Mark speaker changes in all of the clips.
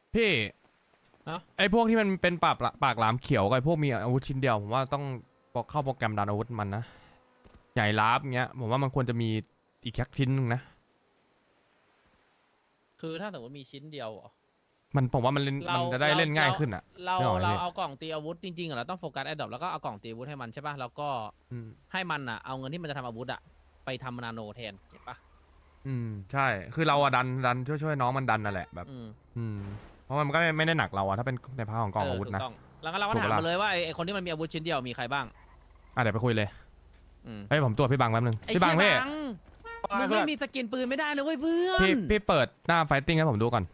Speaker 1: พี่
Speaker 2: ฮะ
Speaker 1: ไอ้พวกที่มันเป็นปากหลามเขียวกับไอ้พวกมีอาวุธชิ้นเดียวผมว่าต้องเข้าโปรแกรมดันอาวุธมันนะใหญ่ลาบเงี้ยผมว่ามันควรจะมีอีกแค่ชิ้นหนึงนะ
Speaker 2: คือถ้าสมมติมีชิ้นเดียวเหรอ
Speaker 1: มันผมว่ามันเล่นมันจะได้เล่นง่ายขึ้นอ่ะ
Speaker 2: เรา
Speaker 1: นึกออกไหม
Speaker 2: เรา
Speaker 1: พี่
Speaker 2: เอากล่องตีอาวุธจริงๆอะเราต้องโฟกัสแอดดอปแล้วก็เอากล่องตีอาวุธให้มันใช่ป่ะแล้วก็
Speaker 1: อืม
Speaker 2: ให้มันอะเอาเงินที่มันจะทำอาวุธอะไปทำนาโนแทนเห็นปะ
Speaker 1: ใช่คือเราอะดันช่วยน้องมันดันนั่นแหละแบบ
Speaker 2: อืม
Speaker 1: อืมเพราะมันก็ไม่ได้หนักเราอะถ้าเป็นในพาร์ทของกองอาวุธนะ
Speaker 2: ถูกต้องแล้วก็เราก็
Speaker 1: ถูก
Speaker 2: ถาม
Speaker 1: ปะล่ะ
Speaker 2: มาเลยว่าไอ้คนที่มันมีอาวุธชิ้นเดียวมีใครบ้าง
Speaker 1: เดี๋ยวไปคุยเลย
Speaker 2: อืม
Speaker 1: เฮ้ยผมตรวจพี่บังแป๊บนึง
Speaker 2: ไอ้
Speaker 1: พี่บังพี่
Speaker 2: บังมึงไม่มีสกินปืนไม่ได้นะเว้ยเพื่อน
Speaker 1: พี่เปิดหน้าไฟติ้งให้ผมดูก่อน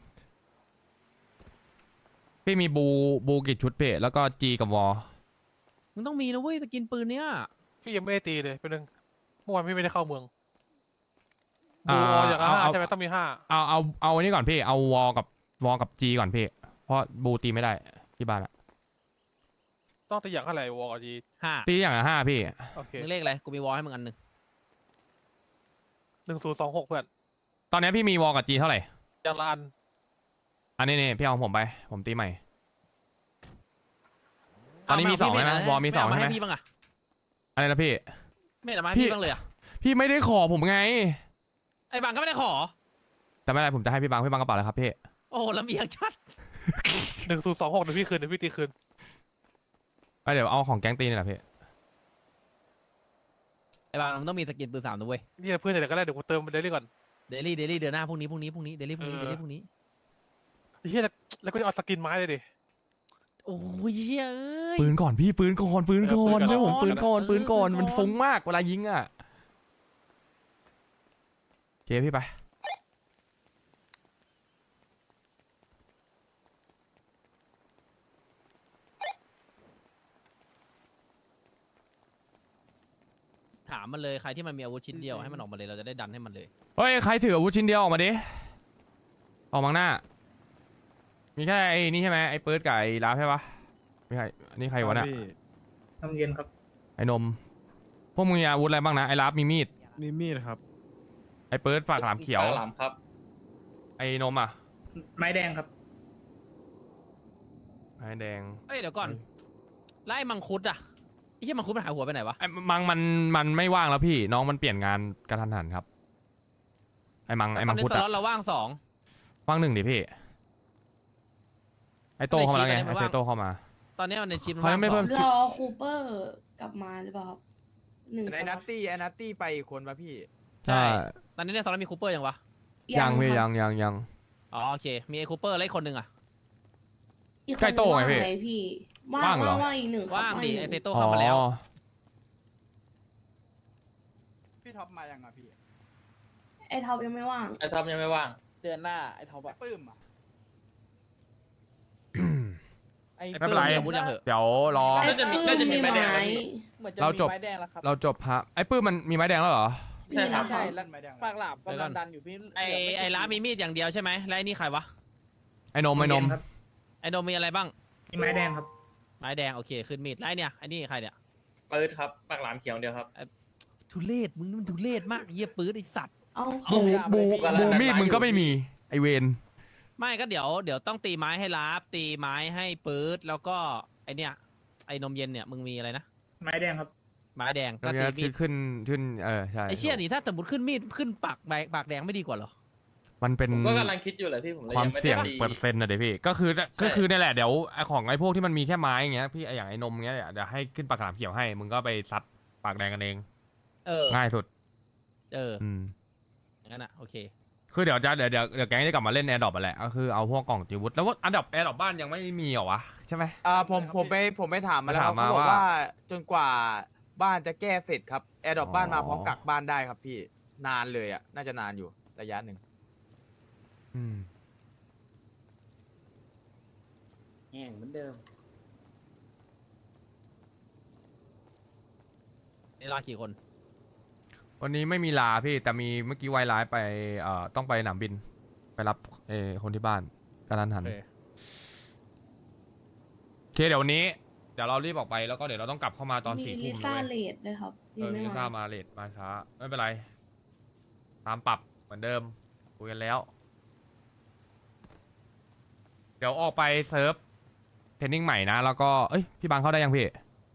Speaker 1: พี่มีบูกี่ชุดพี่แล้วก็จีกับวอ
Speaker 2: มึงต้องมีนะเว้ยสกินปืนเนี้ย
Speaker 3: พี่ยังไม่ได้ตีเลยเป็นหนึ่งเมื่อวานพี่ไม่ได้เข้าเมือง
Speaker 1: อ่า
Speaker 3: บูออย่างละห้า
Speaker 1: เอา
Speaker 3: ใช่ไหมต้องมีห้า
Speaker 1: เอาอันนี้ก่อนพี่เอาวอกับจีก่อนพี่เพราะบูตีไม่ได้ที่บ้านอะ
Speaker 3: ต้องตีอย่างเท่าไหร่วอลจี
Speaker 2: 5
Speaker 1: ตีอย่างละ5พี่
Speaker 3: โอเค
Speaker 2: มึงเลขอะไรกูมีวอลให้มึงอันหนึ่ง
Speaker 3: 1026เพื่อน
Speaker 1: ตอนนี้พี่มีวอกับจีเท่าไหร่
Speaker 3: อย่างละอัน
Speaker 1: อันนี้นี่พี่เอาของผมไปผมตีใหม่ ตอนนี้มี2ใช่ไหมวอมี2
Speaker 2: ไมา
Speaker 1: ใช่ไหม
Speaker 2: ให้พี่บ้างอะ
Speaker 1: อะไรนะพี่
Speaker 2: ไม่เอามาให้พี่บ้างเลยอะ
Speaker 1: พี่ไม่ได้ขอผมไง
Speaker 2: ไอ้บังก็ไม่ได้ขอ
Speaker 1: แต่ไม่เป็นไรผมจะให้พี่บังกระเป๋าเลยครับพี่
Speaker 2: โอ้โหลำเอียงชัด
Speaker 3: 1026เดี๋ยวพี่คืนเดี๋ยวพี่ตีคืน
Speaker 1: เดี๋ยวเอาของแก๊งตีนี่แหละพี่
Speaker 2: ไอ้บังมึงต้องมีสกินปืน3ด้วย
Speaker 3: นี่เพื่อนเดี๋ยวก็ได้เดี๋ยวกูเติมเดลี่ก่อน
Speaker 2: เดลี่เดือนหน้าพรุ่งนี้เดลี่พรุ่งนี้
Speaker 3: เออ
Speaker 2: เดลี่พรุ่งนี้
Speaker 3: เฮียแล้วก็จะเอาสกินไม้เลยดิ
Speaker 2: โอ้ยเหี้ยเอ้ย
Speaker 1: ปืนก่อนพี่ปืนก่อน
Speaker 3: เออปืนก่อน
Speaker 1: เชื่อผมปืนก่อน
Speaker 2: เออ
Speaker 1: ปืนก่อน
Speaker 2: ปืนก่อน
Speaker 1: มันฟุ้งมากเวลายิงอ่ะโอเคพี่ไป
Speaker 2: ถามมันเลยใครที่มันมีอาวุธชิ้นเดียวให้มันออกมาเลยเราจะได้ดันให้มันเลย
Speaker 1: เฮ้ยใครถืออาวุธชิ้นเดียวออกมาดิออกมาข้างหน้ามีแค่ไอ้นี่ใช่ไหมไอ้ปืนกับไอ้ลาฟใช่ปะไม่ใช่อันนี้ใครวะเนี่ย
Speaker 4: น้ำเย็นครับ
Speaker 1: ไอ้นมพวกมึงมีอาวุธอะไรบ้างนะไอ้ลาฟมีมีด
Speaker 4: มีมีดครับ
Speaker 1: ไอ้ปืนปากหลามเขียว
Speaker 5: ปากหลามครับ
Speaker 1: ไอ้นมอ่ะ
Speaker 4: ไม้แดงครับ
Speaker 1: ไอ้แดง
Speaker 2: เอ้ยเดี๋ยวก่อนไล่มังคุดอะไอ้เหี้ยมังคุดมันหายหัวไปไหนวะ
Speaker 1: ไอ้มังมันไม่ว่างแล้วพี่น้องมันเปลี่ยนงานกระทันหันครับไอ้มัง
Speaker 2: ตอนนี้
Speaker 1: คุด
Speaker 2: ส
Speaker 1: อะ
Speaker 2: ล็อตเราว่าง2
Speaker 1: ว่าง1ดิพี่ไอ้โตเข้ามาแล้วไง
Speaker 2: ไม่
Speaker 1: ไอ้
Speaker 2: ชี้
Speaker 1: เฟโตเข้ามา
Speaker 2: ตอนนี้มันในชิป
Speaker 1: เขายังไม่เพิ่ม
Speaker 6: รอคูเปอร์กลับมาหรือเปล่าครับ1
Speaker 5: ไอ้นัตตี้ไปอีกคนป่ะพี่
Speaker 2: ใช่ตอนนี้ในสล็อตมีคูเปอร์ยังวะ
Speaker 1: ยังพี่
Speaker 6: ครับ
Speaker 1: ยัง
Speaker 2: อ๋อโอเคมีไอ้คูเปอร์แล้วอีกคนหนึ่งอะ
Speaker 6: อีกคน
Speaker 1: ใกล้โต้ไงพี่
Speaker 6: ว่างเลยพี่
Speaker 1: ว่างเหรอ
Speaker 6: ว่างอีก1ครับ
Speaker 2: ว่างดิ
Speaker 6: อีก
Speaker 2: ไอ
Speaker 6: 1
Speaker 2: เซโตเข้ามาแล้ว
Speaker 1: อ๋อ
Speaker 5: พี่ท็อปมายังอ่ะพี่
Speaker 6: ไอ้ท็อปยังไม่ว่าง
Speaker 5: ไอ้ท็อปยังไม่ว่าง
Speaker 7: เดือนหน้าไอ้ท็อป
Speaker 5: ไอ้
Speaker 7: อะ
Speaker 5: ปื้มอ่ะ
Speaker 7: ไอ้
Speaker 1: ไม่เป็นไร
Speaker 2: มีอาวุธยังเหอะ
Speaker 1: เดี๋ยวรอ
Speaker 6: ไอ้
Speaker 5: น่าจะมี
Speaker 6: ปื้
Speaker 5: น่าจะมีไม้แดง
Speaker 6: ไม้
Speaker 7: เหมือนจะ
Speaker 1: เรา
Speaker 7: มี
Speaker 1: จบ
Speaker 7: ไม้แดงแล้วครับ
Speaker 1: เราจบฮะไอ้ปื้มมันมีไม้แดงแล้วเหรอ
Speaker 5: ใช่ครับ
Speaker 7: ใช่
Speaker 5: แล้
Speaker 7: แล้ว ว
Speaker 5: ไม้แดง
Speaker 7: ปากหลาบ
Speaker 2: เดี๋ยว
Speaker 7: กำ
Speaker 2: ก่
Speaker 7: ลั
Speaker 2: อน
Speaker 7: งดันอยู่พี่
Speaker 2: ไอ้ร้านมีมีดอย่างเดียวใช่ไหมแล้วไอ้นี่ใครวะ
Speaker 1: ไอ้นม
Speaker 4: ครับ
Speaker 2: ไอ้โดมมีอะไรบ้าง
Speaker 4: มีไม้แดงครับ
Speaker 2: ไม้แดงโอเคขึ้นมีดแล้วไอ้เนี่ยไอ้นี่ใครเนี่ย
Speaker 5: ปืดครับ ปากหลามเขียวเดียวครับ
Speaker 2: ทุเรศมึงนี่มันทุเรศมากเยี่ยปื๊ดไอสัตว์
Speaker 6: เอา
Speaker 1: บูมีดมึงก็ไม่มีไอเวน
Speaker 2: ไม่ก็เดี๋ยวต้องตีไม้ให้ลาบตีไม้ให้ปื๊ดแล้วก็ไอเนี่ยไอนมเย็นเนี่ยมึงมีอะไรนะ
Speaker 4: ไม้แดงครับ
Speaker 2: ไม้แดงก็
Speaker 1: ก็
Speaker 2: ตีมีด
Speaker 1: ขึ้นใช่
Speaker 2: ไอเชี่ยนี่ถ้าสมมติขึ้นมีดขึ้นปากแดงไม่ดีกว่าเหรอ
Speaker 1: มันเป็น
Speaker 5: ผมก็กำลังคิดอยู่เลยพี่ผมเลย
Speaker 1: ความ
Speaker 5: ยังไม่
Speaker 1: เสี่ยง
Speaker 5: ได้ตี
Speaker 1: เปอร์เซ็นต์นะเดี๋ยวพี่ก็คือนี่แหละเดี๋ยวไอ้ของไอ้พวกที่มันมีแค่ไม้อย่างเงี้ยพี่ไอ้อย่างไอ้นมเงี้ยเดี๋ยวให้ขึ้นปากหลามเขียวให้มึงก็ไปซัดปากแดงกันเอง
Speaker 2: เออ
Speaker 1: ง่ายสุด
Speaker 2: อืมอย่างนั้นอ่ะโอเค
Speaker 1: คือเดี๋ยวแก๊งจะกลับมาเล่นแอร์ดรอปแหละก็คือเอาพวกกล่องจิวุฒแล้วว่าอันดับแอร์ดรอปบ้านยังไม่มีเหรอวะใช่ไหม
Speaker 5: ผมไปถามมาแล้ว
Speaker 1: ไปถามมา
Speaker 5: เขาบอก
Speaker 1: ว่า
Speaker 5: ว่าจนกว่าบ้านจะแก้เสร็จครับแอร์ดรอปบ้านมา
Speaker 1: อ๋อ
Speaker 5: พร้อมกักบ้านได้ครับพี่นานเลยอ่ะน่าจะนานอยู่ระยะหนึ่ง
Speaker 1: อืม
Speaker 7: แห้งเหมือนเดิม
Speaker 2: นี่ลากี่คน
Speaker 1: วันนี้ไม่มีลาพี่แต่มีเมื่อกี้ไวไลฟ์ไปต้องไปสนามบิน ไปรับคนที่บ้านกระทันหัน
Speaker 2: โอเค
Speaker 1: โอเคเดี๋ยววันนี้เดี๋ยวเรารีบออกไปแล้วก็เดี๋ยวเราต้องกลับเข้ามาตอน
Speaker 6: มี
Speaker 1: 4
Speaker 6: ลิ
Speaker 1: ทุ่ม
Speaker 6: ซ่า
Speaker 1: ด้วย
Speaker 6: เลดด้วยครับ
Speaker 1: มีลิซ่ามาเลทมาช้าไม่เป็นไร ตามปรับเหมือนเดิมคุยกันแล้วเดี๋ยวออกไปเซิร์ฟเทรนนิ่งใหม่นะ แล้วก็เอ้ยพี่บังเข้าได้ยังพี่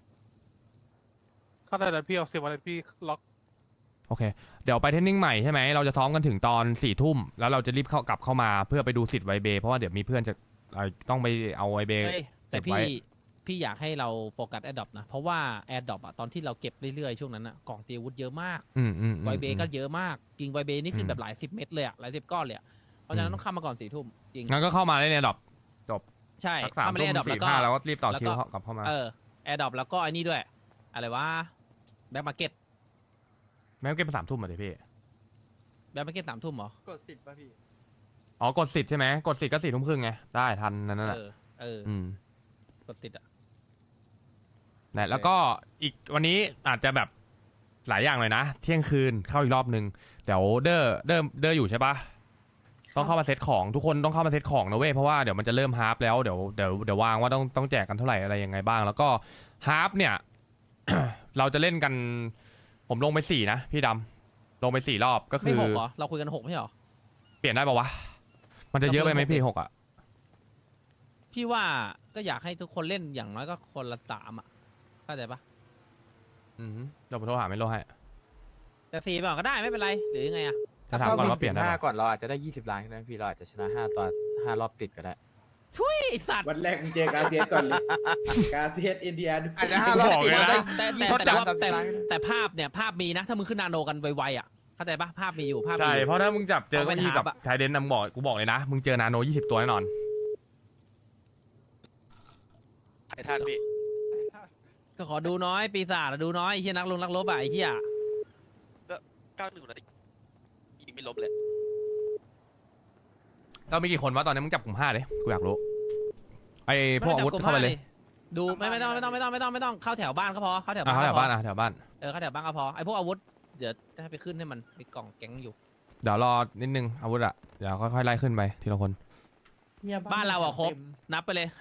Speaker 3: เข้าได้แล้วพี่เอาเสียวันพี่ล็อก
Speaker 1: โอเค เดี๋ยวไปเทรนนิ่งใหม่ใช่ไหมเราจะซ้อมกันถึงตอน4 ทุ่มแล้วเราจะรีบกลับเข้ามาเพื่อไปดูสิทธิ์ไวเบเพราะว่าเดี๋ยวมีเพื่อนจะต้องไปเอาไวเบ
Speaker 2: เฮ้ยแต่
Speaker 1: เก็บไว้
Speaker 2: พี่อยากให้เราโฟกัสแอดดอปนะ เพราะว่าแอดดอปอะตอนที่เราเก็บเรื่อยๆช่วงนั้นอะกล่องตีอาวุธเยอะมาก ไวเบก็เยอะมากกิ่งไวเบนี่ขึ้นแบบหลาย10 เม็ดเลยอะหลาย10 ก้อนเลยอะเพราะฉะนั้นต้องเข้ามาก่อน4 ทุ่มจริง
Speaker 1: งั้นก็เข้ามาได้ในดรอปจบ
Speaker 2: ใช่
Speaker 1: สัก3
Speaker 2: เข้ามาเล่
Speaker 1: ทุ่
Speaker 2: น
Speaker 1: ม
Speaker 2: แอดดอปแล้ว
Speaker 1: สี่
Speaker 2: ก็
Speaker 1: ห้าแล้วก็รีบต่อ
Speaker 2: แล้ว
Speaker 1: คิ
Speaker 2: ก็
Speaker 1: วกลับเข้ามา
Speaker 2: แอดดอปแล้วก็ไอ้นี่ด้วย อะไรวะแบ็คมาร์เก็ต
Speaker 1: แม้เก็บไป3 ทุ่มอ่ะเดี๋ยวพี่
Speaker 2: แบ็คมาร์เก็ต3 ทุ่มเหรอ
Speaker 5: กดสิบป่ะพี่
Speaker 1: อ๋อกดสิทธิ์ใช่ไหมกดสิทธิ์ก็4 ทุ่มครึ่งไงได้ทันนั่นแหละ
Speaker 2: อืมกดติดอะ
Speaker 1: นะแล้วก็อีกวันนี้อาจจะแบบหลายอย่างเลยนะ เที่ยงคืนเข้าอีกรอบนึงเดี๋ยวเดออยู่ใช่ปะต้องเข้ามาเซตของทุกคนต้องเข้ามาเซตของนะเว้ยเพราะว่าเดี๋ยวมันจะเริ่มฮาร์ปแล้วเดี๋ยววางว่าต้องแจกกันเท่าไหร่อะไรยังไงบ้าง แล้วก็ฮาร์ปเนี่ย เราจะเล่นกันผมลงไป4นะพี่ดำลงไป4 รอบก็
Speaker 2: ไม่
Speaker 1: คือ
Speaker 2: 6เหรอเราคุยกัน6ไม่ใช่เหรอ
Speaker 1: เปลี่ยนได้ปะวะมันจะเยอะไปไหมพี่6อ่ะ
Speaker 2: พี่ว่าก็อยากให้ทุกคนเล่นอย่างน้อยก็คนละ3อะเข้าใจปะ
Speaker 1: เดี๋ยวผมโทรหาไม่โลให้
Speaker 2: แต่4ไปก่อนก็ได้ไม่เป็นไรหรือยังไงอะ
Speaker 1: ถ้าถามก่อนว่าเปลี่ยนได้
Speaker 5: ห้า
Speaker 1: ปะ
Speaker 5: ก่อนเราอาจจะได้20 ล้านก็ได้พี่เราอาจจะชนะ5 ตอน 5 รอบติดก็ได้
Speaker 2: ไอสัตว์
Speaker 8: วันแรกมึงเจอกาเซียสก่อนเลย กาเซียสอินเดีย
Speaker 5: อาจจะ5 รอบติด
Speaker 1: บอกเลยนะ
Speaker 2: แต่ภาพเนี่ยภาพมีนะถ้ามึงขึ้นนาโนกันไวๆอ่ะเข้าใจปะภาพมีอยู่ภาพมี
Speaker 1: ใช่
Speaker 2: อยู่
Speaker 1: เพราะถ้ามึงจับเจอ
Speaker 2: เอาไป
Speaker 1: เก้าอี้กับ
Speaker 2: หาปะ
Speaker 1: ชายเดนนำกูบอกเลยนะมึงเจอนาโน20 ตัวแน่นอน
Speaker 9: ไอ้ท่านพี่
Speaker 2: ก็ขอดูน้อยปีศาจอะดูน้อยไอ้เฮียนักรบอะไอ้เฮีย
Speaker 9: 91นาทียิงไม่ลบเลย
Speaker 1: เรามีกี่คนวะตอนนี้มึงจับกลุ่ม5เลยกูอยากรู้ไอ้พวกอาวุธเข้าไปเลย
Speaker 2: ดูไม่ต้องเข้าแถวบ้านก็พอเข้าแถวบ้าน
Speaker 1: เข้าแถ
Speaker 2: ก็
Speaker 1: ว
Speaker 2: พ
Speaker 1: บ้า
Speaker 2: อน
Speaker 1: แถวบ้าน
Speaker 2: เข้าแถวบ้านก็พอไอ้พวกอาวุธเดี๋ยวจะให้ไปขึ้นให้มันมีกล่องแก๊งอยู่
Speaker 1: เดี๋ยวรอนิดนึงอาวุธอะเดี๋ยวค่อยๆไล่ขึ้นไปทีละคน
Speaker 7: เนี่ย
Speaker 2: บ้านเราอะครบนับไปเลย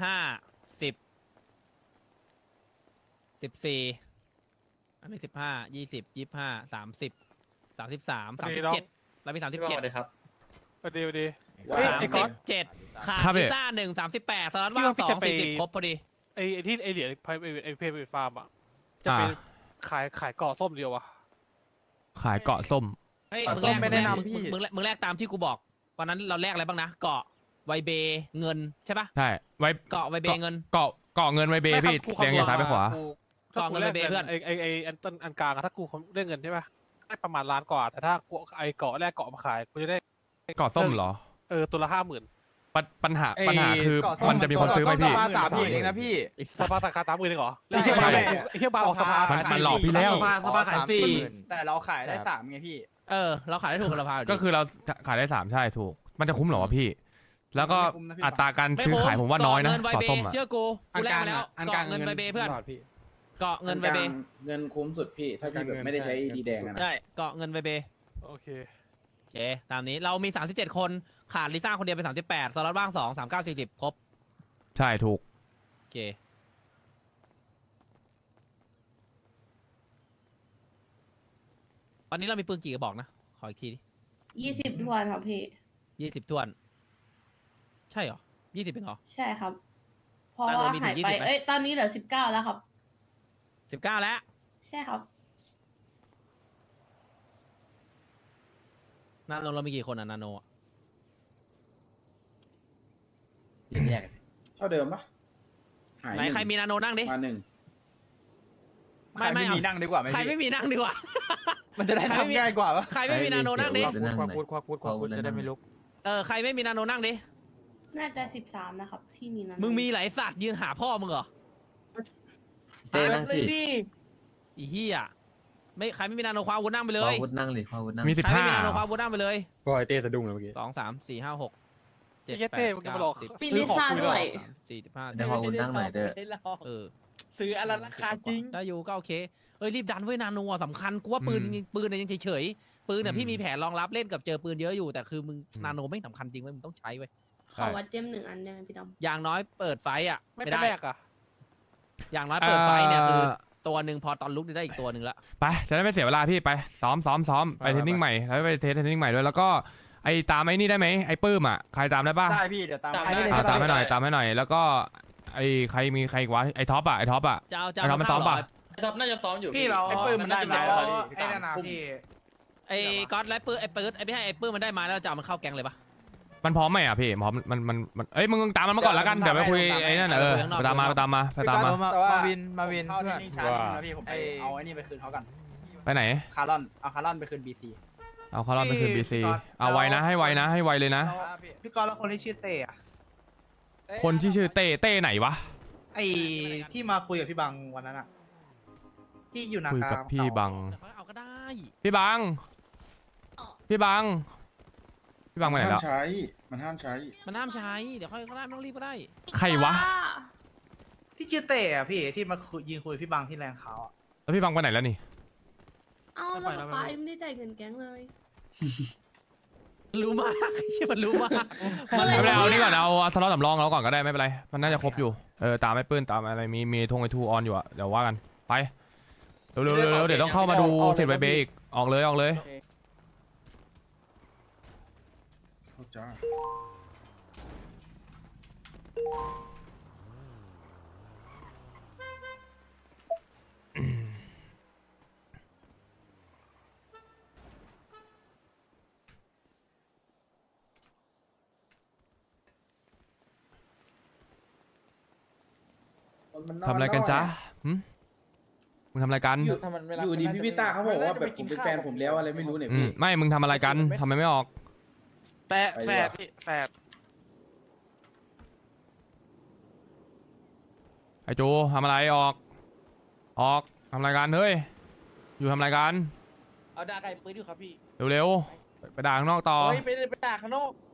Speaker 2: 5 10 14อันนี้15 20 25 30 33 37เรามี37
Speaker 3: พอดี
Speaker 8: ว้า
Speaker 3: เฮ้ย
Speaker 8: ว
Speaker 3: ไอ้ก๊อต
Speaker 2: 37ขาดพิซซ่า1 38สล็อตว่าง
Speaker 3: พี่
Speaker 2: 2
Speaker 3: จะไป
Speaker 2: 40ครบพอดี
Speaker 3: ไอ้ที่ไอ้เหรียญไอ้เพย์ฟาร์มอ่ะจะไปขายเกาะส้มเดียววะ
Speaker 1: ขายเกาะส้ม
Speaker 2: เฮ้ย
Speaker 5: ขอ
Speaker 2: มึง
Speaker 5: ส้
Speaker 2: แล
Speaker 5: ม
Speaker 2: ก
Speaker 5: ไม่แนะนำพี่
Speaker 2: มึงแลกตามที่กูบอกวันนั้นเราแลกอะไรบ้างนะเกาะไวเบเงินใช่ปะ
Speaker 1: ใช่ไว้
Speaker 2: เกาะไวเบเงิน
Speaker 1: เกาะเงินไว้เบพี่เสียงอย่างซ้ายไปขวา
Speaker 2: เกาะเงินไปเบเพื่อน
Speaker 3: ไอ้อันกลางอะถ้ากูเรื่องเงินใช่ปะได้ประมาณล้านกว่าแต่ถ้ากูไอ้เกาะแรกเกาะมาขายกูจะได้
Speaker 1: เกาะส้มเหรอ
Speaker 3: ตัวละ50,000
Speaker 1: ปัญหาคือมันจะมีคนซื้อไหมพี่
Speaker 5: ประมาณ30,000เองนะพี่
Speaker 3: สภาราคา30,000เองเหรอ
Speaker 5: ใช่
Speaker 3: ไอ้เหี้ยบาร์ออกสภา
Speaker 1: มันหลอกพี่แล้ว
Speaker 5: สภาขายฟรี
Speaker 8: แต่เราขายได้3ไงพี่
Speaker 2: เราขายได้ถูกราคาอยู่ดี
Speaker 1: ก็คือเราขายได้3ใช่ถูกมันจะคุ้มเหรอวะพี่ แล้วก็
Speaker 8: ไม่คุ้มนะพี่
Speaker 1: อัตราการซื้อขายผมว่าน้อยนะ
Speaker 2: เกาะเงินไว
Speaker 1: เกาะ
Speaker 2: เบ
Speaker 1: ส้มอะ
Speaker 2: เชื่อกูกูแลกมาแล้วเกาะเงินไวเบเพื่อนเกาะเงินไวเบ
Speaker 8: เงินคุ้มสุดพี่ ถ้าพี่แบบไม่ได้ใช้ดีแดงอะนะ
Speaker 2: ใช่เกาะเงินไวเบ
Speaker 3: โอเค
Speaker 2: โอเคตามนี้เรามี37คนขาดลิซ่าคนเดียวเป็น38สล็อตว่าง2 39 40ครบ
Speaker 1: ใช่ถูก
Speaker 2: โอเควันนี้เรามีปืนกี่กระบอกนะขออีกทีดิ
Speaker 6: 20 ทวนครับพี่
Speaker 2: 20ถ้วน ใช่เหรอ20เป็นเหรอ
Speaker 6: ใช่ครับ เพราะ
Speaker 2: ตอน
Speaker 6: ว่า
Speaker 2: นี้มีถึง
Speaker 6: หายไป
Speaker 2: 20ไหม
Speaker 6: ตอนนี้เหลือ19แล้วครับ
Speaker 2: 19แล้ว
Speaker 6: ใช่ครับ
Speaker 2: นาโนเรามีกี่คนอะนาโนอะ
Speaker 7: แยก
Speaker 8: เท่าเดิมปะหาย
Speaker 2: ไหนใครมีนาโนนั่งดิ
Speaker 8: มา1
Speaker 2: ไม่
Speaker 5: ไม่
Speaker 2: เอา
Speaker 5: มีนั่งดีกว่าไหม
Speaker 2: ใคร
Speaker 5: พี่
Speaker 2: ไม่มีนั่งดีกว่า
Speaker 5: มันจะได้ทำง่ายกว่าปะ
Speaker 2: ใครไม่มีนาโนนั่งดิ
Speaker 5: ควักพูดจะได้ไม่ลุก
Speaker 2: ใครไม่มีนาโนนั่งดิ
Speaker 6: น่าจะ13นะครับ ที่มีนั้น
Speaker 2: มึงมีหลายสัตว์ยืนหาพ่อมึงเหรอ
Speaker 7: เต้นั่งสิ
Speaker 2: อีเหี้ยไม่ใครไม่มีนาโนคว้าอาวุธนั่งไปเลย
Speaker 7: อาวุธนั่งเลยอาวุธนั่ง
Speaker 1: มี
Speaker 2: ใครไม่มีนาโนคว้า
Speaker 1: 15
Speaker 2: อาวุธนั่งไปเลย
Speaker 5: ก็ไอเต้สะดุ้งเลยเมื่อกี้
Speaker 2: 2 3 4 5 6
Speaker 3: ไอ้เหี้ยเต้มึงจะมาหลอก
Speaker 6: ปีลิซ่าด้วย
Speaker 2: 45
Speaker 7: ได้อาวุธนั่งหน่อยเด้อซื้ออะไรราคาจริง
Speaker 2: ได้อยู่ก็โอเครีบดันเว้ยนาโนอะสำคัญกูว่าปืนจริงๆปืนเนี่ยยังเฉยๆปืนเนี่ยพี่มีแผนรองรับเล่นกับเจอปืนเยอะอยู่แต่คือมึงนาโนไม่สำคัญจริงเว้ยมึงต้องใช้เว้ย
Speaker 6: ขอวัดเจม1 อันได้ไหมพี่ดำ
Speaker 2: อย่างน้อยเปิดไฟอ่ะ
Speaker 3: ไม่
Speaker 2: ไม่
Speaker 3: เป็น
Speaker 2: ได้
Speaker 3: แรกอะ
Speaker 2: อย่างน้อยเปิดไฟเนี่ยคือตัวหนึ่งพอตอนลุกได้อีกตัวหนึ่งละ
Speaker 1: ไปจะได้ไม่เสียเวลาพี่ไปซ้อมไปเทรนนิ่งใหม่แล้วไปเทรนนิ่งใหม่ด้วยแล้วก็ไอ้ตามไอ้นี่ได้ไหมไอ้ปื้มอ่ะใครตามได้ป่ะ
Speaker 5: ได้พี่เดี๋ยวตาม
Speaker 7: ตาม
Speaker 5: ให้
Speaker 7: ได้
Speaker 1: ตามให้หน่อยตามให้หน่อยแล้วก็ไอ้ใครมีใครอีกวะไอ้ท็อปอ่ะไอ้ท็อปอ่ะ
Speaker 2: จะเอา
Speaker 1: ไอ้ท็อปมันซ้อมป่ะ
Speaker 7: ท็อปน่าจะซ้อมอยู่
Speaker 8: พี่เรา
Speaker 5: ไอ้ปื้มมันได้ไหม
Speaker 8: ไอ้นั่นนะพี่
Speaker 2: ไอ้ก๊อตไลปื้ไอ้ปื้ไอ้พี่ให้ไอ้ปื้มันได้มาแล้วจะเอามันเข้าแก๊งเลยปะ
Speaker 1: มันพร้อมไหมอ่ะพี่พร้อมมันเอ้ยมึงตามมันมาก่อนแล้วกันเดี๋ยวไปคุยไอ้นั่นไปตามมาไปตามมา
Speaker 5: มาวินเพื่อน
Speaker 8: นะพี่ผมไปเอาไอ้นี่ไปคืนเขากัน
Speaker 1: ไปไหน
Speaker 8: คาร์ลอนเอาคาร์ลอนไปคืนบีซี
Speaker 1: เอาเขารอบไปคืนบีซีเอาไวนะให้ไวนะให้ไวเลยนะ
Speaker 8: พี่กอล์ฟแล้วคนที่ชื่อเต้อะ
Speaker 1: คนที่ชื่อเต้ไหนวะ
Speaker 8: ไอ้ที่มาคุยกับพี่บังวันนั้นอะที่อยู่นา
Speaker 1: คุย
Speaker 8: คา
Speaker 1: กับพี่บัง
Speaker 2: เดี๋ยวเขาเอาก็ได้
Speaker 1: พี่บังพี่บังไปไหนแล้ว
Speaker 8: มันห้ามใช้
Speaker 2: มันห้ามใช้เดี๋ยวค่อยก็ได้ไม่ต้องรีบก็ได้
Speaker 1: ใครวะ
Speaker 8: ที่ชื่อเต้อะพี่ที่มายืนคุยพี่บังที่แรงเขาอะ
Speaker 1: แล้วพี่บังไปไหนแล้วนี่
Speaker 6: เอาแล้วป๊ายังไม่ได้จ่ายเงินแก๊งเลย
Speaker 2: รู้มากใช่มันรู้มาก
Speaker 1: ไม่เป็นไรเอานี่ก่อนเอาสล็อตสำรองเราก่อนก็ได้ไม่เป็นไรมันน่าจะครบอยู่ตามไอ้ปื้นตามอะไรมีธงไอ้ทูออนอยู่อะเดี๋ยวว่ากันไปเร็วเดี๋ยวต้องเข้ามาดูเสร็จไวเบอีกออกเลย
Speaker 8: จ้า
Speaker 1: ทำอะไรกันจ๊ะมึงทำอะไรกัน
Speaker 8: อยู่ดีพี่พิต้าเขาบอกว่าแบบผมเป็นแฟนผมแล้วอะไรไม่รู้เนี่ยพี่
Speaker 1: ไม่มึงทำอะไรกันทำไมไม่ออก
Speaker 9: แฝดพี่แฝด
Speaker 1: ไอ้จูทำอะไรออกทำอะไรกันเฮ้ยอยู่ทำอะไรกัน
Speaker 7: เอาด่าไก่ปืนอยู่ครับพี่
Speaker 1: เร็วๆไปด่าข้างนอกต่อ
Speaker 7: เฮ้ยไปด่าข้างนอก